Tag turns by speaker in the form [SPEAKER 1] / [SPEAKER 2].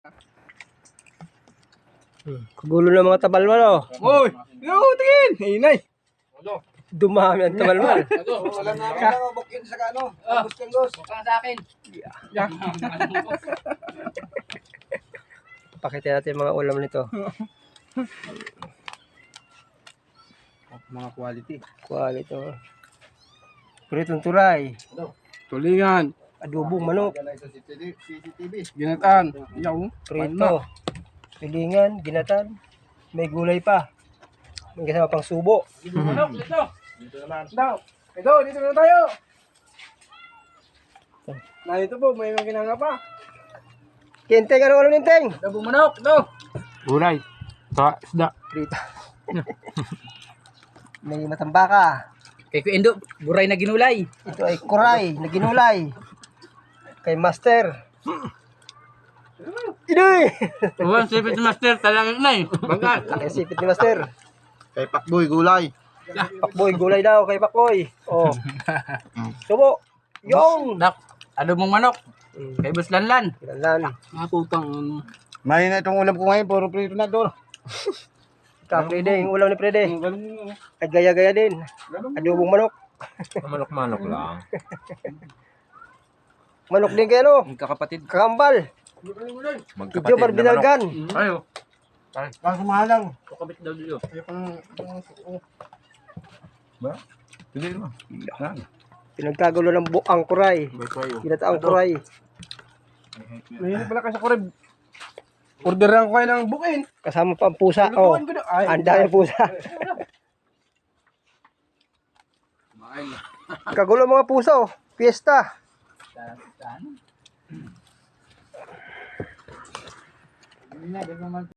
[SPEAKER 1] Kagulo ng mga tabalmal, oh.
[SPEAKER 2] Uy! Yo, tingin! Hinay!
[SPEAKER 1] Dumami ang tabalmal.
[SPEAKER 2] Wala na ako bukin sa kano. Kanggos.
[SPEAKER 3] Sa akin.
[SPEAKER 1] Pakita natin yung mga ulam nito.
[SPEAKER 2] Mga quality.
[SPEAKER 1] Quality, oh. Pritong turay.
[SPEAKER 2] Tulingan.
[SPEAKER 1] Adobong manok.
[SPEAKER 2] Ginataan. Yaw.
[SPEAKER 1] Prito. Pilingan, ginatan. May gulay pa. May kasama pang subo.
[SPEAKER 3] Manok, dito.
[SPEAKER 2] Dito naman. Dito na tayo. Dito po, may mga ginanga pa.
[SPEAKER 1] Kinteng, ano ninteng?
[SPEAKER 3] Dabong manok, ito.
[SPEAKER 2] Gulay. Isda.
[SPEAKER 1] Prito. May matambaka.
[SPEAKER 3] Kay Kuendo, buray na ginulay.
[SPEAKER 1] Ito ay kuray na ginulay. Kay Master. Idoy!
[SPEAKER 3] Uwan, sipit master, talagang na eh. Bagat.
[SPEAKER 1] Kay sipit ni Master.
[SPEAKER 2] Kay Pakboy, gulay.
[SPEAKER 1] Pakboy, gulay daw kay Pakboy. Oh. Subo. Yung!
[SPEAKER 3] Dak, ano mong manok? Kay Buslanlan.
[SPEAKER 1] Kilalan.
[SPEAKER 3] Mga putang.
[SPEAKER 2] May na itong ulam ko ngayon, puro prito na doon.
[SPEAKER 1] Ka-Prede, yung ulam ni Prede. Ay gaya-gaya din. Adobong manok.
[SPEAKER 4] Manok-manok lang.
[SPEAKER 1] Manok din kayo, no?
[SPEAKER 3] Magkakapatid.
[SPEAKER 1] Kakambal. Medyo
[SPEAKER 4] Magkapatid na manok.
[SPEAKER 1] barbinalgan.
[SPEAKER 3] Ayo.
[SPEAKER 2] Kaso mahalang.
[SPEAKER 3] Kukabit daw dito.
[SPEAKER 4] Hindi mo.
[SPEAKER 1] Pinagkagulo ng buang kuray. Ginataang kuray.
[SPEAKER 2] Mahirap pala kasi kurib. Orderan ko kayo ng bukin.
[SPEAKER 1] Kasama pa ang pusa. Oh, ang dami pusa. Kagulo mga pusa, oh. Fiesta.